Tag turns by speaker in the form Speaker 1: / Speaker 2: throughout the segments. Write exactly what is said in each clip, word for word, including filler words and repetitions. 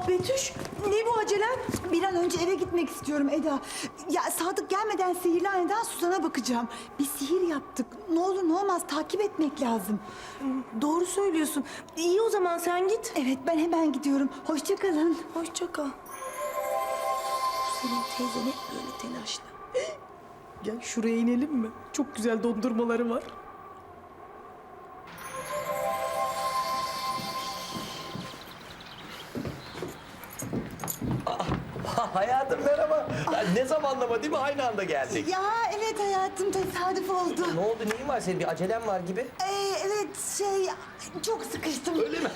Speaker 1: Aa Betüş, ne bu acelen?
Speaker 2: Bir an önce eve gitmek istiyorum Eda. Ya Sadık gelmeden sihirli haneden Suzan'a bakacağım. Bir sihir yaptık. Ne olur ne olmaz takip etmek lazım.
Speaker 1: Doğru söylüyorsun. İyi o zaman sen git.
Speaker 2: Evet ben hemen gidiyorum. Hoşça kalın.
Speaker 1: Hoşça kal. Senin teyzen hep böyle telaşlı. Gel şuraya inelim mi? Çok güzel dondurmaları var.
Speaker 3: Hayatım merhaba. Ya ne zamanlama değil mi? Aynı anda geldik.
Speaker 2: Ya evet hayatım tesadüf oldu.
Speaker 3: Ne oldu? Neyin var senin? Bir acelen var gibi.
Speaker 2: Ee, evet şey çok sıkıştım.
Speaker 3: Öyle mi?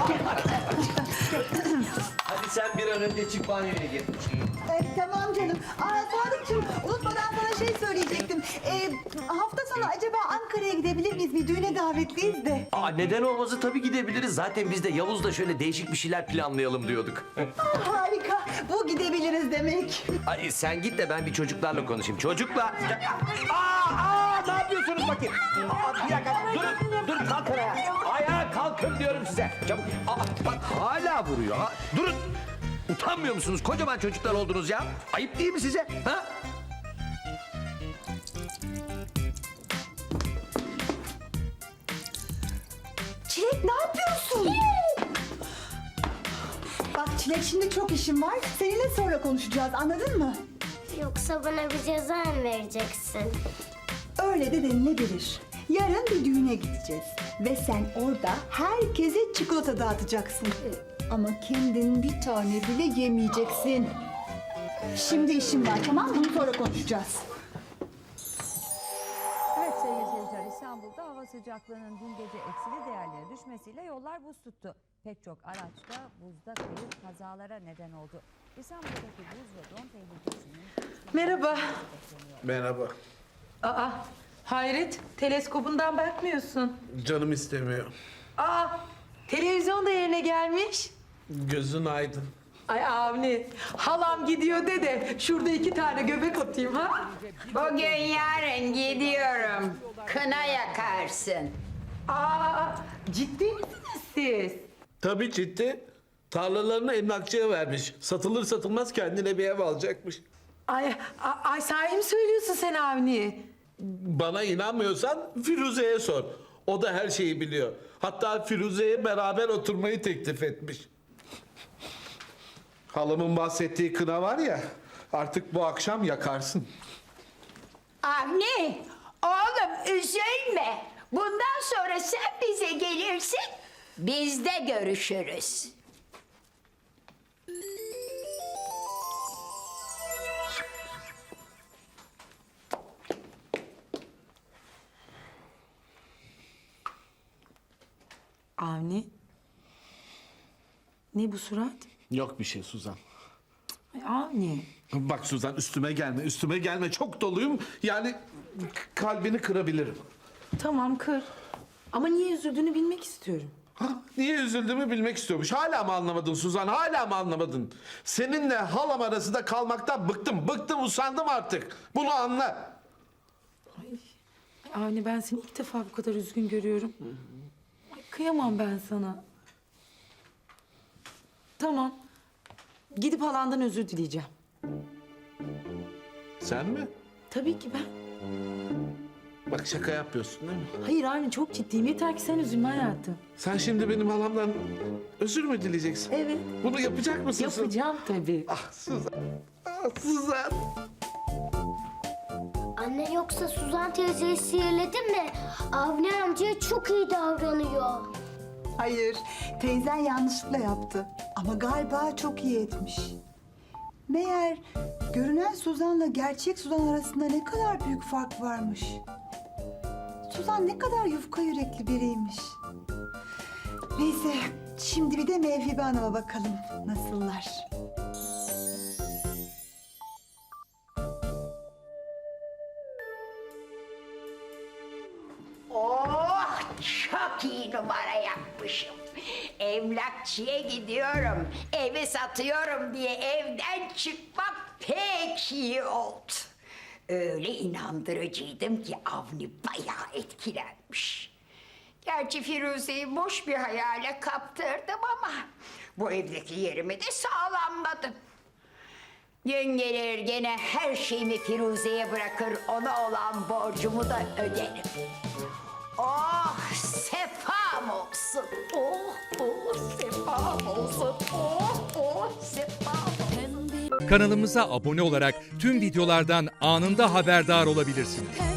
Speaker 3: Hadi sen bir an önce çık banyoya gir.
Speaker 2: Ee, tamam canım. Aa Sadıkçığım unutmadan sana şey söyleyecektim. Ee, hafta sonu acaba Ankara'ya gidebilir miyiz? Bir düğüne davetliyiz de.
Speaker 3: Aa, neden olmazı tabii gidebiliriz. Zaten biz de Yavuz'la şöyle değişik bir şeyler planlayalım diyorduk.
Speaker 2: Aa, harika. Bu gidebiliriz demek.
Speaker 3: Ay, sen git de ben bir çocuklarla konuşayım. Çocuklar! Aa, aa, ne yapıyorsunuz bakayım? Aa, bir dakika, durun, durun, kalkın ayağa. Ayağa kalkın diyorum size. Çabuk. Aa, bak hala vuruyor. Ha, durun. Utanmıyor musunuz? Kocaman çocuklar oldunuz ya. Ayıp değil mi size? Ha?
Speaker 2: Çilek ne yapıyorsun? Bak Çilek şimdi çok işim var. Seninle sonra konuşacağız anladın mı?
Speaker 4: Yoksa bana bir ceza mı vereceksin?
Speaker 2: Öyle de denilebilir. Yarın bir düğüne gideceğiz. Ve sen orada herkese çikolata dağıtacaksın. Ama kendin bir tane bile yemeyeceksin. Şimdi işim var tamam mı? Bunu sonra konuşacağız.
Speaker 5: Evet sevgili seyirciler, İstanbul'da hava sıcaklığının dün gece eksili değerlere düşmesiyle yollar buz tuttu. Pek çok araçta buzda kayıp kazalara neden oldu. İstanbul'daki buz ve don tehlikesinin...
Speaker 6: Merhaba.
Speaker 7: Merhaba.
Speaker 6: Aa, hayret, teleskobundan bakmıyorsun.
Speaker 7: Canım istemiyor.
Speaker 6: Aa, televizyon da yerine gelmiş.
Speaker 7: Gözün aydın.
Speaker 6: Ay Avni, halam gidiyor de de şurada iki tane göbek atayım ha.
Speaker 8: Bugün yarın gidiyorum. Kına yakarsın.
Speaker 6: Aa, ciddi misiniz siz?
Speaker 7: Tabii ciddi. Tarlalarını emlakçıya vermiş. Satılır satılmaz kendine bir ev alacakmış.
Speaker 6: Ay, a- ay sahi mi söylüyorsun sen Avni?
Speaker 7: Bana inanmıyorsan Firuze'ye sor. O da her şeyi biliyor. Hatta Firuze'ye beraber oturmayı teklif etmiş. Halamın bahsettiği kına var ya, artık bu akşam yakarsın.
Speaker 8: Avni, oğlum üzülme. Bundan sonra sen bize gelirsin, biz de görüşürüz.
Speaker 6: Avni, ne bu surat?
Speaker 7: Yok bir şey Suzan.
Speaker 6: Ay Avni.
Speaker 7: Bak Suzan üstüme gelme, üstüme gelme. Çok doluyum. Yani k- kalbini kırabilirim.
Speaker 6: Tamam kır. Ama niye üzüldüğünü bilmek istiyorum.
Speaker 7: Ha, niye üzüldüğümü bilmek istiyormuş. Hala mı anlamadın Suzan? Hala mı anlamadın? Seninle halam arasında kalmaktan bıktım. Bıktım, usandım artık. Bunu anla.
Speaker 6: Avni ben seni ilk defa bu kadar üzgün görüyorum. Ay, kıyamam ben sana. Tamam. Gidip halandan özür dileyeceğim.
Speaker 7: Sen mi?
Speaker 6: Tabii ki ben.
Speaker 7: Bak şaka yapıyorsun değil mi?
Speaker 6: Hayır Avni çok ciddiyim. Yeter ki sen üzülme hayatım.
Speaker 7: Sen şimdi benim halamdan özür mü dileyeceksin?
Speaker 6: Evet.
Speaker 7: Bunu yapacak mısın? Suzan?
Speaker 6: Yapacağım tabii.
Speaker 7: Ah Suzan. Ah Suzan.
Speaker 4: Anne yoksa Suzan teyzeyi sihirledin mi? Avni amcaya çok iyi davranıyor.
Speaker 2: Hayır teyzen yanlışlıkla yaptı. Ama galiba çok iyi etmiş. Meğer görünen Suzan'la gerçek Suzan arasında ne kadar büyük fark varmış. Suzan ne kadar yufka yürekli biriymiş. Neyse, şimdi bir de Mevhibe Hanım'a bakalım nasıllar.
Speaker 8: Oh, çok iyi numara yapmışım. Emlakçıya gidiyorum, evi satıyorum diye evden çıkmak pek iyi oldu. Öyle inandırıcıydım ki Avni bayağı etkilenmiş. Gerçi Firuze'yi boş bir hayale kaptırdım ama Bu evdeki yerimi de sağlamladım. Gün gelir gene her şeyimi Firuze'ye bırakır, ona olan borcumu da öderim. Oh, sefam olsun. Oh, oh, sefam olsun. Oh, oh, sefam olsun.
Speaker 9: Kanalımıza abone olarak tüm videolardan anında haberdar olabilirsiniz.